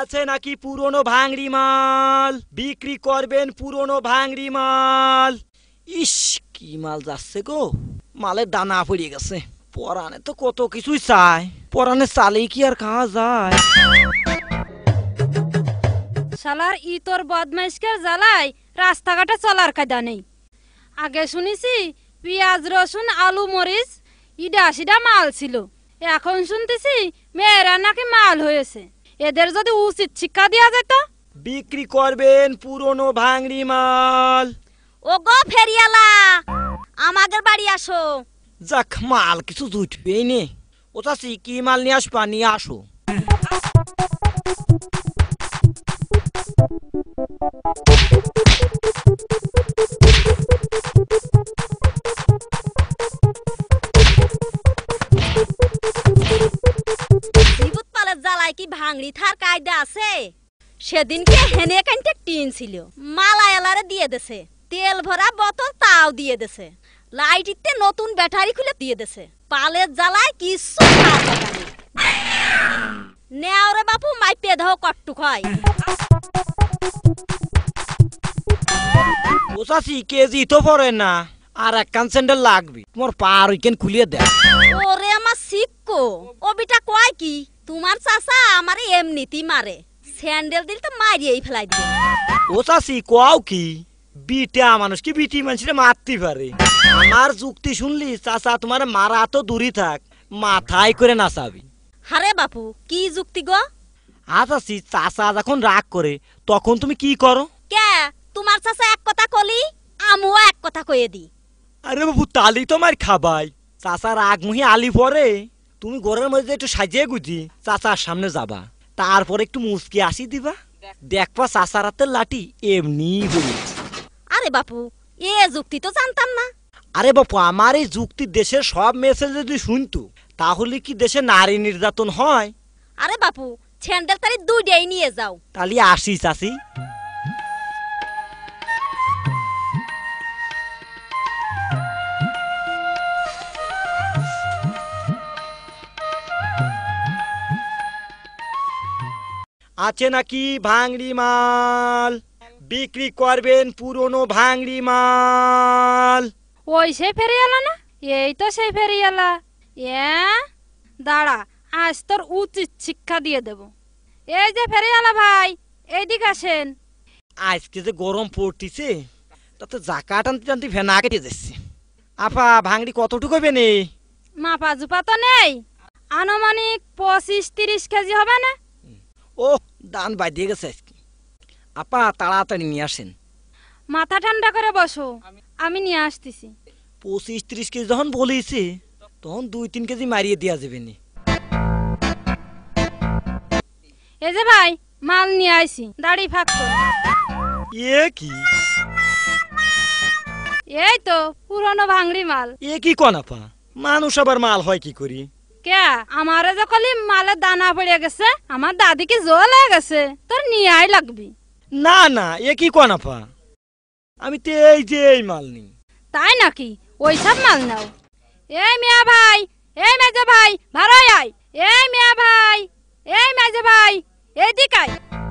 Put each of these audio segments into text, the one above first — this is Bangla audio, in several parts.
আছে নাকি পুরনো ভাঙড়ি মাল? বিক্রি করবেন পুরনো ভাঙড়ি মাল। ইস, কি মাল যাচ্ছে গো, মালের দানা পড়ে গেছে। পরানে তো কত কিছুই চায়, পরানে চালেই কি আর খাওয়া যায়? শালার ইতর বদমাইশকে জ্বালায় রাস্তাঘাটে চলার কায়দা নেই। আগে শুনেছি পেঁয়াজ রসুন আলু মরিচ ইডা সিডা মাল ছিল, এখন শুনতেছি মেয়েরা নাকি মাল হয়েছে। এদের যদি উচিত শিক্ষা দেওয়া যেত। বিক্রি করবেন পুরনো ভাঙড়ি মাল। ও গো ফেরিয়ালা, আমাদের বাড়ি আসো। যাক, মাল কিছু জুটবেই নে। ও চাচি, কি মাল নিয়ে আসবা? নিয়ে আসো। বিভূত পালের জ্বালায় কি ভাঙড়ি থার কায়দা আছে? সেদিনকে হেনে কানতে টিন ছিল, মালায়ালারে দিয়ে দেছে। তেল ভরা বোতল তাও দিয়ে দেছে। লাইটিতে নতুন ব্যাটারি খুলে দিয়ে দেছে। পালের জ্বালায় কিছু নেওরে বাপু মাইপে দাও কট্টুক হয়। ও চাচি, কেজি তো পড়ে না, আর এক কান স্যান্ডেল লাগবে। তোমার পার উইকেন খুলিয়ে দেয়। ওরে আমার শিক্ষো, ও বিটা কয় কি তোমার চাচা আমারে এমনিতেই মারে, স্যান্ডেল দিল তো মারিয়েই ফেলাই দিবে। ও চাচি, কোয়াও কি? বিটা মানুষ কি বিটি মানুষের মারতে পারে? আমার যুক্তি শুনলি চাচা তোমার মারা তো দূরই থাক, মাথায় করে নাচাবি। হারে বাপু, কি যুক্তি গো? চাচি, চাচা যখন রাগ করে তখন তুমি কি করো? কে তোমার চাচা এক কথা কলি, আমিও এক কথা কয়ে দি। আরে বাবু, তালি তোমার খাবাই। চাচা রাগ মুহি আলি পরে তুমি ঘরের মধ্যে একটু সাজিয়ে গুজি চাচার সামনে যাবা, তারপরে একটু মুসকি আসি দিবা, দেখবা চাচার হাতের লাঠি এমনি বলি। আরে বাপু, এ যুক্তি তো জানতাম না। আরে বাপু, আমার এই যুক্তি দেশের সব মেসেজ যদি শুনতো তাহলে কি দেশে নারী নির্যাতন হয়? আরে বাপু, স্যান্ডেল তারি দুইটাই নিয়ে যাও। তাহলে আসি চাচি। আছে নাকি ভাঙড়ি মাল? বিক্রি করবেন পুরনো ভাঙড়ি মাল। ওই সেই ফেরিয়ালা না? এই তো সেই ফেরিয়ালা। দাঁড়া, আজ তোর উচিত শিক্ষা দিয়ে দেব। এই যে ফেরিয়ালা ভাই, এইদিকে আসেন। আজকে যে গরম পড়তিছে, তাতে জাকা টানতে টানতে ভেনা কেটে যাচ্ছে। আপা, ভাঙড়ি কতটুকু হবে নে? মাপা জুপা তো নেই, আনুমানিক 25-30 কেজি হবে না? ও, দান বাজিয়ে গেছে আজকে। আপা, তাড়াতাড়ি নিয়ে আসেন। মাথা ঠান্ডা করে বসো, আমি নিয়ে আসতেছি। 25-30 কেজি যখন বলেছে তখন 2-3 কেজি মারিয়ে দেওয়া যাবে নি। এই যে ভাই, মাল নিয়ে আইছি, দাড়ি ফাঁক কর। এ কি? এই তো পুরনো ভাঙড়ি মাল। এ কি কোন আপা? মানুষ আবার মাল হয় কি করি? কে আমারে যখন মালের দানা পড়ে গেছে, আমার দাদিকে জল হয়ে গেছে, তোর নিয়ে আই লাগবি। না না, এ কি কোন আপা? আমি তো এই যে এই মাল নিই। তাই নাকি? ওই সব মাল নাও। এই মিয়া ভাই, এই মেজে ভাই, ভাড়াই আয়। এই মিয়া ভাই, এই মেজে ভাই, এদিক আয়।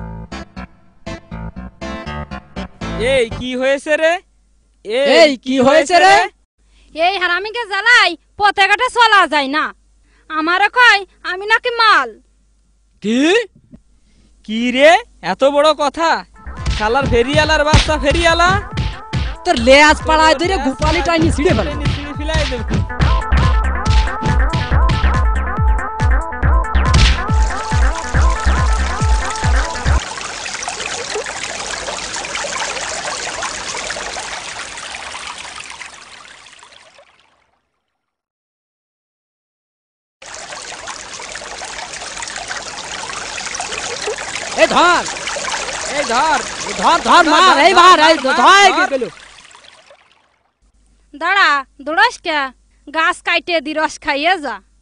এই কি হয়েছে রে? এই কি হয়েছে রে? এই হারামিকে জ্বালাই পথে ঘাটে চলা যায় না। আমারে কয় আমি নাকি মাল। কি কি রে, এত বড় কথা? শালার ফেরিয়ালার বাচ্চা ফেরিয়ালা, তোর লেজ পাড়ায় ধরে গোপালি টাইনি ছিঁড়ে ফেলে। ফিলাই দেব। এই ধর, এই ধর ধর ধর মার, এই মার, এই ধর গেল। দাঁড়া, দৌড়াস কে? গাছ কাইটে দি রস খাইয়ে যা।